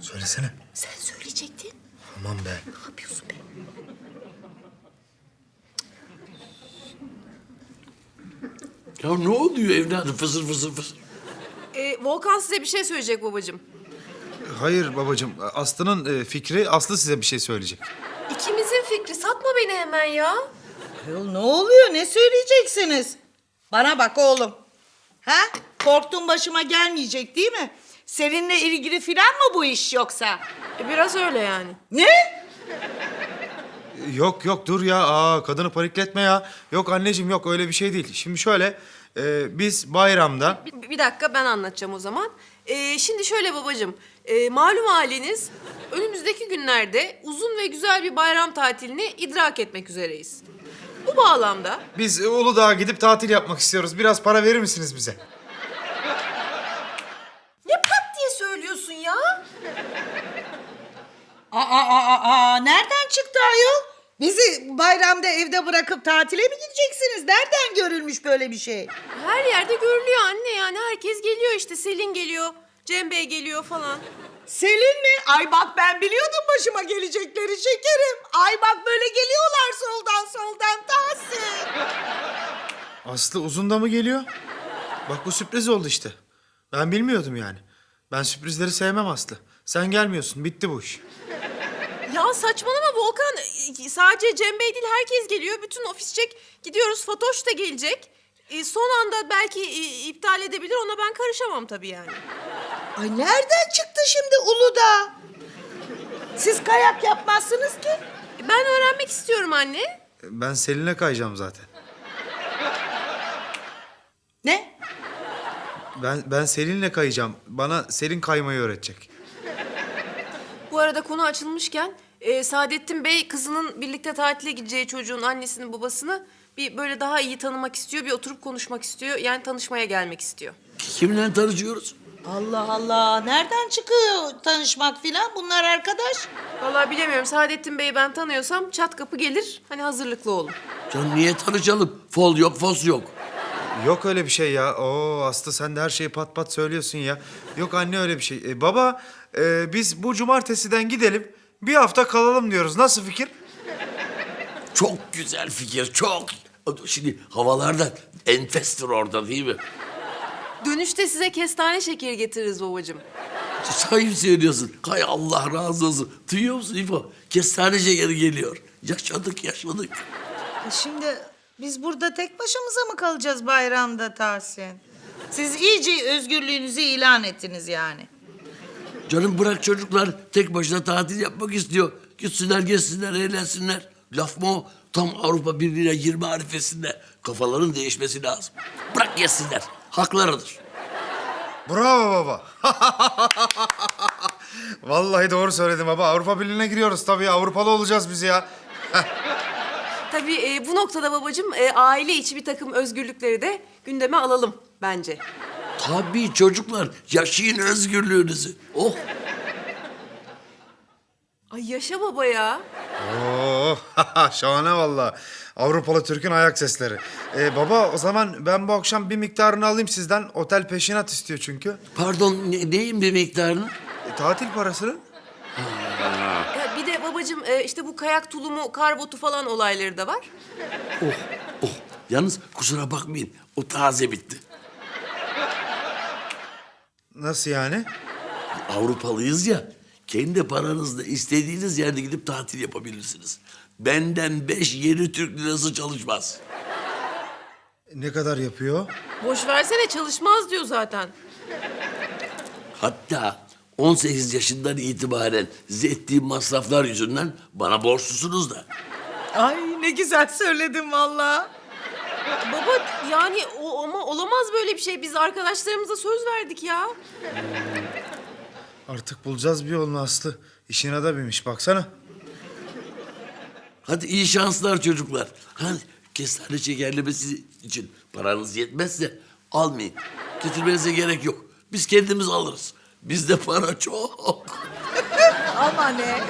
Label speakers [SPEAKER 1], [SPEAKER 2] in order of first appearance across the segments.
[SPEAKER 1] Söylesene.
[SPEAKER 2] Sen söyleyecektin.
[SPEAKER 1] Aman be.
[SPEAKER 2] Ne yapıyorsun be?
[SPEAKER 3] Ya ne oluyor evladım fısır fısır fısır?
[SPEAKER 4] Volkan size bir şey söyleyecek babacığım.
[SPEAKER 1] Hayır babacığım. Aslı'nın fikri, Aslı size bir şey söyleyecek.
[SPEAKER 4] İkimizin fikri. Satma beni hemen ya.
[SPEAKER 2] Ayol ne oluyor? Ne söyleyeceksiniz? Bana bak oğlum. Ha? Korktuğun başıma gelmeyecek değil mi? Seninle ilgili filan mı bu iş yoksa?
[SPEAKER 4] Biraz öyle yani.
[SPEAKER 2] Ne?
[SPEAKER 1] Yok yok dur ya. Kadını panikletme ya. Yok anneciğim yok öyle bir şey değil. Şimdi şöyle biz bayramda...
[SPEAKER 4] Bir dakika ben anlatacağım o zaman. Şimdi şöyle babacığım. Malum haliniz önümüzdeki günlerde uzun ve güzel bir bayram tatilini idrak etmek üzereyiz. Bu bağlamda
[SPEAKER 1] Biz Uludağ'a gidip tatil yapmak istiyoruz. Biraz para verir misiniz bize?
[SPEAKER 4] ne pat diye söylüyorsun ya?
[SPEAKER 2] Nereden çıktı ayol? Bizi bayramda evde bırakıp tatile mi gideceksiniz? Nereden görülmüş böyle bir şey?
[SPEAKER 4] Her yerde görülüyor anne yani. Herkes geliyor işte. Selin geliyor, Cem Bey geliyor falan.
[SPEAKER 2] Selin mi? Ay bak ben biliyordum başıma gelecekleri şekerim. Ay bak böyle geliyorlar soldan Tahsin.
[SPEAKER 1] Aslı uzun da mı geliyor? Bak bu sürpriz oldu işte. Ben bilmiyordum yani. Ben sürprizleri sevmem Aslı. Sen gelmiyorsun. Bitti bu iş.
[SPEAKER 4] Ya saçmalama Volkan. Sadece Cem Bey değil herkes geliyor. Bütün ofisçek gidiyoruz. Fatoş da gelecek. Son anda belki iptal edebilir. Ona ben karışamam tabii yani.
[SPEAKER 2] Ay nereden çıktı şimdi Uludağ? Siz kayak yapmazsınız ki.
[SPEAKER 4] Ben öğrenmek istiyorum anne.
[SPEAKER 1] Ben Selin'e kayacağım zaten.
[SPEAKER 2] Ne?
[SPEAKER 1] Ben Selin'le kayacağım. Bana Selin kaymayı öğretecek.
[SPEAKER 4] Bu arada konu açılmışken Saadettin Bey kızının birlikte tatile gideceği çocuğun annesini babasını bir böyle daha iyi tanımak istiyor. Bir oturup konuşmak istiyor. Yani tanışmaya gelmek istiyor.
[SPEAKER 3] Kimle tanışıyoruz?
[SPEAKER 2] Allah Allah. Nereden çıkıyor tanışmak filan? Bunlar arkadaş.
[SPEAKER 4] Vallahi bilemiyorum. Saadettin Bey'i ben tanıyorsam çat kapı gelir. Hani hazırlıklı olun.
[SPEAKER 3] Can niye tanışalım? Fol yok, fos yok.
[SPEAKER 1] Yok öyle bir şey ya. Oo Aslı sen de her şeyi pat pat söylüyorsun ya. Yok anne öyle bir şey. Baba biz bu cumartesiden gidelim. Bir hafta kalalım diyoruz. Nasıl fikir?
[SPEAKER 3] Çok güzel fikir, çok. Şimdi havalarda enfestir orada değil mi?
[SPEAKER 4] Dönüşte size kestane şekeri getiririz babacığım.
[SPEAKER 3] Sahip söylüyorsun. Hay Allah razı olsun. Duyuyor musun İfo? Kestane şekeri geliyor. Yaşadık.
[SPEAKER 2] Şimdi biz burada tek başımıza mı kalacağız bayramda Tahsin? Siz iyice özgürlüğünüzü ilan ettiniz yani.
[SPEAKER 3] Canım bırak çocuklar tek başına tatil yapmak istiyor. Gitsinler, gezsinler, eğlensinler. Laf mı o? Tam Avrupa Birliği'ne girme arifesinde. Kafaların değişmesi lazım. Bırak gezsinler. Haklarıdır.
[SPEAKER 1] Bravo baba. Vallahi doğru söyledin baba. Avrupa Birliği'ne giriyoruz tabii. Avrupalı olacağız biz ya.
[SPEAKER 4] Tabii bu noktada babacığım aile içi bir takım özgürlükleri de gündeme alalım bence.
[SPEAKER 3] Tabii çocuklar. Yaşayın özgürlüğünüzü. Oh.
[SPEAKER 4] Ay yaşa baba ya.
[SPEAKER 1] Oo, şahane vallahi. Avrupalı Türk'ün ayak sesleri. Baba o zaman ben bu akşam bir miktarını alayım sizden. Otel peşinat istiyor çünkü.
[SPEAKER 3] Pardon neyin bir miktarını?
[SPEAKER 1] Tatil parasını.
[SPEAKER 4] Bir de babacığım işte bu kayak tulumu, kar botu falan olayları da var.
[SPEAKER 3] Oh. Yalnız kusura bakmayın. O taze bitti.
[SPEAKER 1] Nasıl yani?
[SPEAKER 3] Avrupalıyız ya. Kendi paranızla istediğiniz yerde gidip tatil yapabilirsiniz. Benden 5 yeni Türk lirası çalışmaz.
[SPEAKER 1] Ne kadar yapıyor?
[SPEAKER 4] Boş versene çalışmaz diyor zaten.
[SPEAKER 3] Hatta 18 yaşından itibaren size ettiğim masraflar yüzünden bana borçlusunuz da.
[SPEAKER 2] Ay ne güzel söyledin vallahi.
[SPEAKER 4] Baba yani ama olamaz böyle bir şey. Biz arkadaşlarımıza söz verdik ya.
[SPEAKER 1] Artık bulacağız bir yolunu Aslı. İşine de binmiş baksana.
[SPEAKER 3] Hadi iyi şanslar çocuklar. Hadi kestane şekerlemesi için paranız yetmezse almayın. Getirmenize gerek yok. Biz kendimiz alırız. Bizde para çok.
[SPEAKER 2] Ama ne?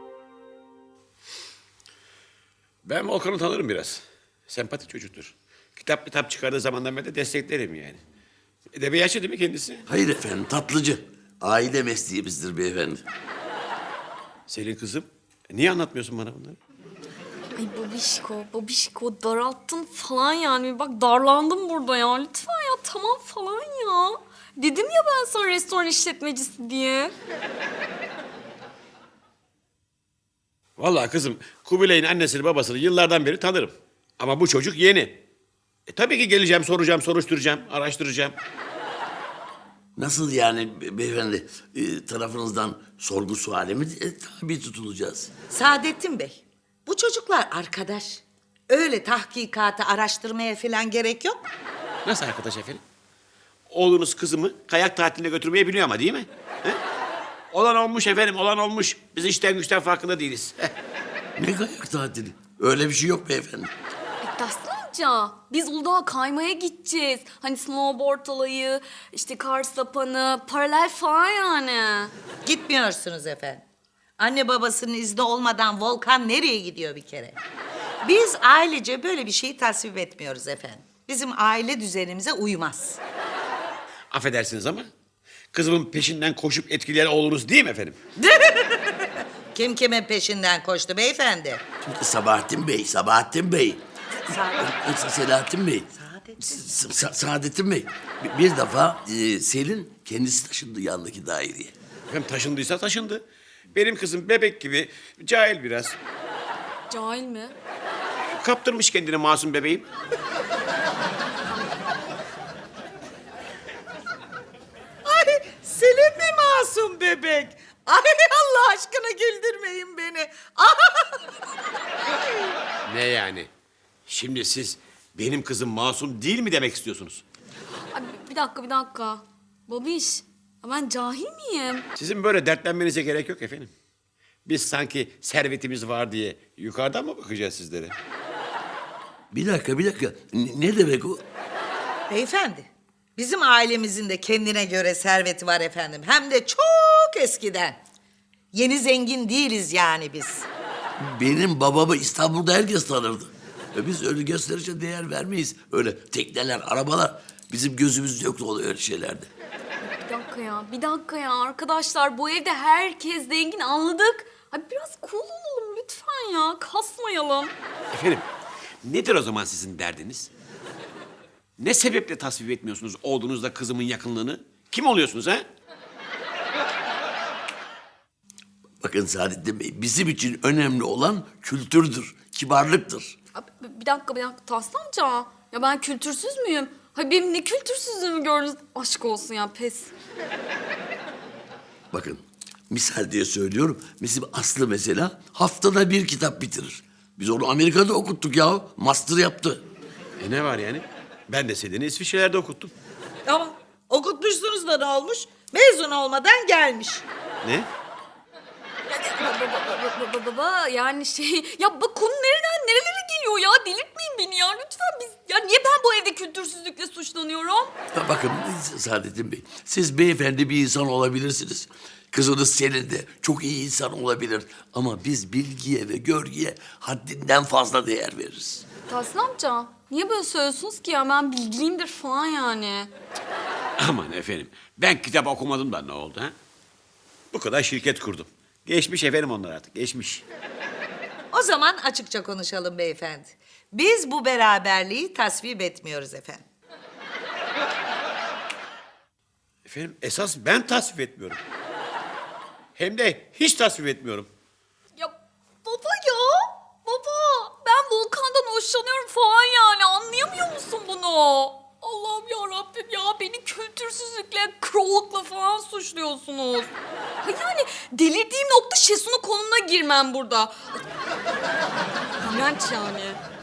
[SPEAKER 5] Ben Volkan'ı tanırım biraz. Sempatik çocuktur. Kitap çıkardığı zamandan beri de desteklerim yani. Edebiyatçı değil mi kendisi?
[SPEAKER 3] Hayır efendim, tatlıcı. Aile mesleğimizdir beyefendi.
[SPEAKER 5] Selin kızım, niye anlatmıyorsun bana bunları?
[SPEAKER 6] Ay babişko daralttın falan yani. Bak darlandım burada ya. Lütfen ya tamam falan ya. Dedim ya ben sana restoran işletmecisi diye.
[SPEAKER 5] Vallahi kızım, Kubilay'ın annesini babasını yıllardan beri tanırım. Ama bu çocuk yeni. Tabii ki geleceğim, soracağım, soruşturacağım, araştıracağım.
[SPEAKER 3] Nasıl yani beyefendi? Tarafınızdan sorgu suale mi tabi tutulacağız?
[SPEAKER 2] Saadettin Bey, bu çocuklar arkadaş. Öyle tahkikata, araştırmaya falan gerek yok.
[SPEAKER 5] Nasıl arkadaş efendim? Oğlunuz kızımı kayak tatiline götürmeyi biliyor ama değil mi? He? Olan olmuş efendim, olan olmuş. Biz işten güçten farkında değiliz.
[SPEAKER 3] Ne kayak tatili? Öyle bir şey yok beyefendi.
[SPEAKER 6] Tahsin amca biz Uludağ'a kaymaya gideceğiz. Hani snowboard olayı, işte kar sapanı, paralel falan yani.
[SPEAKER 2] Gitmiyorsunuz efendim. Anne babasının izni olmadan Volkan nereye gidiyor bir kere? Biz ailece böyle bir şeyi tasvip etmiyoruz efendim. Bizim aile düzenimize uymaz.
[SPEAKER 5] Affedersiniz ama kızımın peşinden koşup etkileyen oğlunuz değil mi efendim?
[SPEAKER 2] Kim kimin peşinden koştu beyefendi?
[SPEAKER 3] Şimdi Sabahattin Bey. Selahattin Bey. Saadettin Bey. Bir defa Selin kendisi taşındı yandaki daireye.
[SPEAKER 5] Efendim taşındıysa taşındı. Benim kızım bebek gibi, cahil biraz.
[SPEAKER 6] Cahil mi?
[SPEAKER 5] Kaptırmış kendine masum bebeğim.
[SPEAKER 2] Ay Selin mi masum bebek? Ay Allah aşkına güldürmeyin beni.
[SPEAKER 5] Ne yani? Şimdi siz benim kızım masum değil mi demek istiyorsunuz?
[SPEAKER 6] Ay, bir dakika. Babiş, ya ben cahil miyim?
[SPEAKER 5] Sizin böyle dertlenmenize gerek yok efendim. Biz sanki servetimiz var diye yukarıdan mı bakacağız sizlere?
[SPEAKER 3] Bir dakika. Ne demek o?
[SPEAKER 2] Beyefendi, bizim ailemizin de kendine göre serveti var efendim. Hem de çok eskiden. Yeni zengin değiliz yani biz.
[SPEAKER 3] Benim babamı İstanbul'da herkes tanırdı. Biz öyle gösterişe değer vermeyiz. Öyle tekneler, arabalar. Bizim gözümüz yoktu öyle şeylerde.
[SPEAKER 6] Bir dakika ya arkadaşlar bu evde herkes zengin anladık. Ay biraz cool olalım lütfen ya kasmayalım.
[SPEAKER 5] Efendim, nedir o zaman sizin derdiniz? Ne sebeple tasvip etmiyorsunuz oğlunuzla kızımın yakınlığını? Kim oluyorsunuz ha?
[SPEAKER 3] Bakın Saadettin Bey, bizim için önemli olan kültürdür, kibarlıktır.
[SPEAKER 6] Abi, bir dakika Tahsin amca. Ya ben kültürsüz müyüm? Hay benim ne kültürsüzlüğümü gördünüz? Aşk olsun ya pes.
[SPEAKER 3] Bakın, misal diye söylüyorum. Bizim Aslı mesela haftada bir kitap bitirir. Biz onu Amerika'da okuttuk ya. Master yaptı.
[SPEAKER 5] Ne var yani? Ben de Selin'i İsviçre'lerde okuttum.
[SPEAKER 2] Ama okutmuşsunuz da ne olmuş? Mezun olmadan gelmiş.
[SPEAKER 5] Ne?
[SPEAKER 6] Baba yani ya bak konu nereden nerelere geliyor ya delirtmeyin beni ya lütfen ya niye ben bu evde kültürsüzlükle suçlanıyorum?
[SPEAKER 3] Bakın Saadettin Bey, siz beyefendi bir insan olabilirsiniz. Kızınız Selin de çok iyi insan olabilir. Ama biz bilgiye ve görgüye haddinden fazla değer veririz.
[SPEAKER 6] Tahsin amca niye böyle söylüyorsunuz ki ya ben bilgiliyimdir falan yani.
[SPEAKER 5] Aman efendim, ben kitap okumadım da ne oldu ha? Bu kadar şirket kurdum. Geçmiş efendim onlar artık, geçmiş.
[SPEAKER 2] O zaman açıkça konuşalım beyefendi. Biz bu beraberliği tasvip etmiyoruz efendim.
[SPEAKER 5] Efendim, esas ben tasvip etmiyorum. Hem de hiç tasvip etmiyorum.
[SPEAKER 6] Ya baba ben Volkan'dan hoşlanıyorum falan yani anlayamıyor musun bunu? Allah'ım ya Rabbim ya beni kültürsüzlükle, krallıkla falan suçluyorsunuz. Ha yani delirdiğim nokta Şesu'nun konumuna girmem burada. İğrenç yani.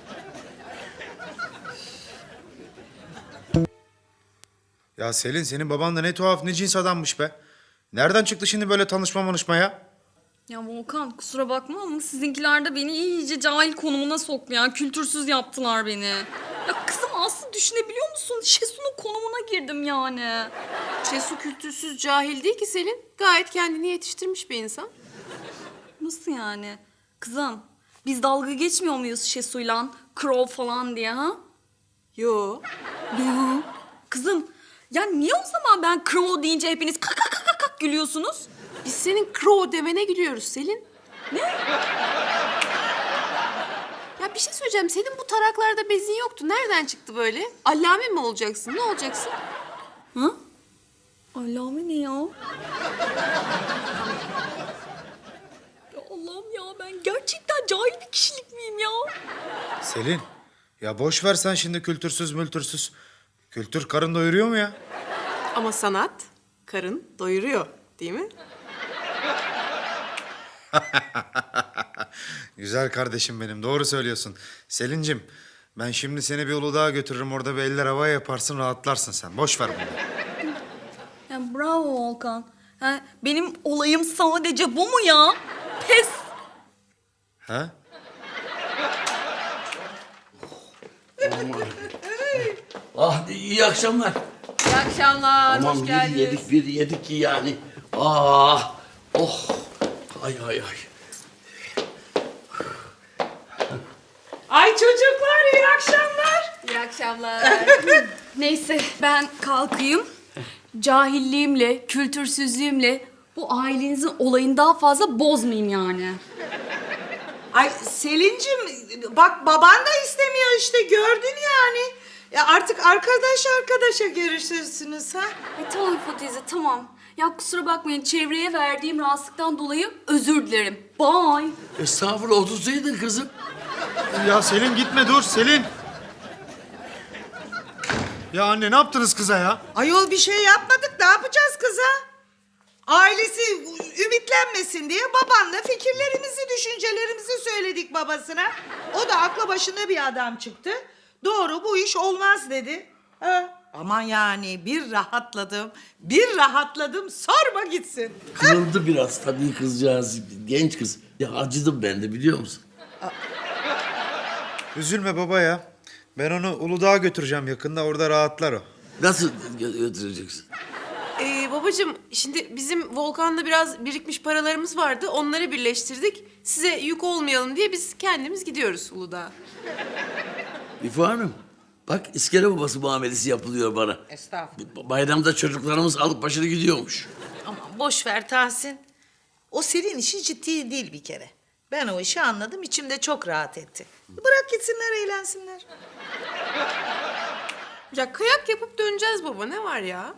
[SPEAKER 1] Ya Selin senin baban da ne tuhaf ne cins adammış be. Nereden çıktı şimdi böyle tanışma ya?
[SPEAKER 6] Ya Volkan kusura bakma ama sizinkiler de beni iyice cahil konumuna soktu ya. Kültürsüz yaptılar beni. Ya kızım Aslı düşünebiliyor musun? Şesu'nun konumuna girdim yani.
[SPEAKER 4] Şesu kültürsüz, cahil değil ki Selin. Gayet kendini yetiştirmiş bir insan.
[SPEAKER 6] Nasıl yani? Kızım biz dalga geçmiyor muyuz Şesu'yla? Crow falan diye ha?
[SPEAKER 4] Yo.
[SPEAKER 6] Yok. Kızım ya niye o zaman ben crow deyince hepiniz kak kak kak kak gülüyorsunuz?
[SPEAKER 4] Biz senin crow demene gülüyoruz Selin.
[SPEAKER 6] Ne?
[SPEAKER 4] Ya bir şey söyleyeceğim. Senin bu taraklarda bezin yoktu. Nereden çıktı böyle? Allame mi olacaksın? Ne olacaksın?
[SPEAKER 6] Hı? Allah'ım ne ya? Ya Allah'ım ya ben gerçekten cahil bir kişilik miyim ya?
[SPEAKER 1] Selin, ya boş ver sen şimdi kültürsüz mültürsüz. Kültür karın doyuruyor mu ya?
[SPEAKER 4] Ama sanat karın doyuruyor, değil mi?
[SPEAKER 1] Güzel kardeşim benim, doğru söylüyorsun. Selin'cim, ben şimdi seni bir Uludağ'a götürürüm. Orada bir eller havaya yaparsın, rahatlarsın sen. Boş ver bunu.
[SPEAKER 6] Ya bravo Volkan. Ha, benim olayım sadece bu mu ya? Pes.
[SPEAKER 1] Ha?
[SPEAKER 3] Ah iyi akşamlar.
[SPEAKER 4] İyi akşamlar,
[SPEAKER 3] Aman
[SPEAKER 4] hoş
[SPEAKER 3] bir
[SPEAKER 4] geldiniz.
[SPEAKER 3] yedik ki yani. Ah, oh. Ay.
[SPEAKER 2] Ay çocuklar iyi akşamlar.
[SPEAKER 4] İyi akşamlar.
[SPEAKER 6] Neyse ben kalkayım. Cahilliğimle, kültürsüzlüğümle bu ailenizin olayını daha fazla bozmayayım yani.
[SPEAKER 2] Ay Selin'cim bak baban da istemiyor işte gördün yani. Ya artık arkadaşa görüşürsünüz ha.
[SPEAKER 6] Ay tamam İfo teyze tamam. Ya kusura bakmayın çevreye verdiğim rahatsızlıktan dolayı özür dilerim. Bye.
[SPEAKER 3] Estağfurullah otursaydın kızım.
[SPEAKER 1] Ya Selin gitme, dur Selin. Ya anne ne yaptınız kıza ya?
[SPEAKER 2] Ayol bir şey yapmadık ne yapacağız kıza? Ailesi ümitlenmesin diye babanla fikirlerimizi, düşüncelerimizi söyledik babasına. O da aklı başında bir adam çıktı. Doğru bu iş olmaz dedi. Ha. Aman yani bir rahatladım sorma gitsin.
[SPEAKER 3] Kırıldı biraz tabii kızcağız. Genç kız. Ya acıdım ben de biliyor musun?
[SPEAKER 1] Üzülme baba ya. Ben onu Uludağ'a götüreceğim yakında, orada rahatlar o.
[SPEAKER 3] Nasıl götüreceksin?
[SPEAKER 4] Babacığım şimdi bizim Volkan'da biraz birikmiş paralarımız vardı. Onları birleştirdik. Size yük olmayalım diye biz kendimiz gidiyoruz Uludağ'a.
[SPEAKER 3] İfo Hanım, bak iskele babası muamelesi yapılıyor bana.
[SPEAKER 2] Estağfurullah.
[SPEAKER 3] Bayramda çocuklarımız alıp başını gidiyormuş.
[SPEAKER 2] Aman boş ver Tahsin. O Selin işi ciddi değil bir kere. Ben o işi anladım, içimde çok rahat etti. Bırak gitsinler, eğlensinler.
[SPEAKER 4] Ya kayak yapıp döneceğiz baba. Ne var ya?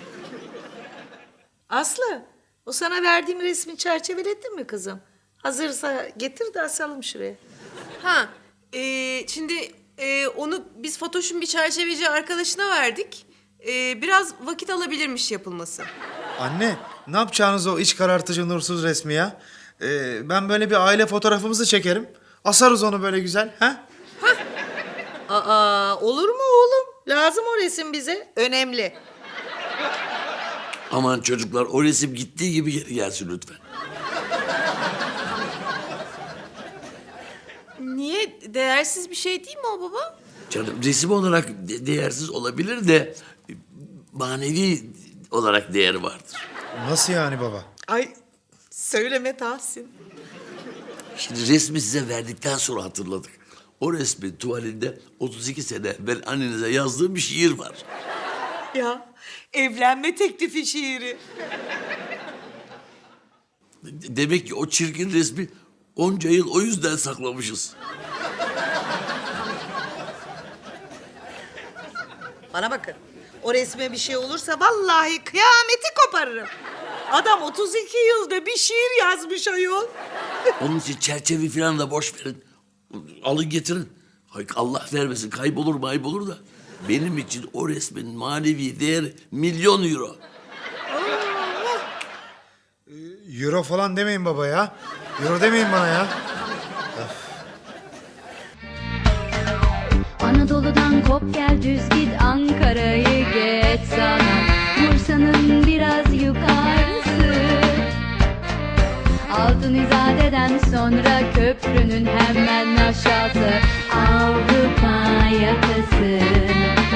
[SPEAKER 2] Aslı, o sana verdiğim resmi çerçeveledin mi kızım? Hazırsa getir de asalım şuraya.
[SPEAKER 4] Ha, şimdi onu biz Fatoş'un bir çerçeveci arkadaşına verdik. Biraz vakit alabilirmiş yapılması.
[SPEAKER 1] Anne, ne yapacağınız o iç karartıcı nursuz resmi ya? Ben böyle bir aile fotoğrafımızı çekerim. Asarız onu böyle güzel, ha?
[SPEAKER 2] Aa, olur mu oğlum? Lazım o resim bize. Önemli.
[SPEAKER 3] Aman çocuklar o resim gittiği gibi geri gelsin lütfen.
[SPEAKER 4] Niye? Değersiz bir şey değil mi o baba?
[SPEAKER 3] Canım resim olarak değersiz olabilir de manevi olarak değeri vardır.
[SPEAKER 1] Nasıl yani baba?
[SPEAKER 2] Ay, söyleme Tahsin.
[SPEAKER 3] Şimdi resmi size verdikten sonra hatırladık. O resmin tuvalinde 32 sene evvel annenize yazdığım bir şiir var.
[SPEAKER 2] Ya, evlenme teklifi şiiri.
[SPEAKER 3] Demek ki o çirkin resmi onca yıl o yüzden saklamışız.
[SPEAKER 2] Bana bakın. O resme bir şey olursa vallahi kıyameti koparırım. Adam 32 yılda bir şiir yazmış ayol.
[SPEAKER 3] Onun için çerçeve falan da boş verin. Alın getirin. Ay, Allah vermesin kaybolur maybolur da. Benim için o resmin manevi değeri €1.000.000.
[SPEAKER 1] Euro falan demeyin baba ya. Euro demeyin bana ya.
[SPEAKER 7] Anadolu'dan kop gel düz git Ankara'yı geç sana Bursa'nın biraz yukarısı Altın İzade'den sonra köprünün hemen aşağısı Avrupa yakası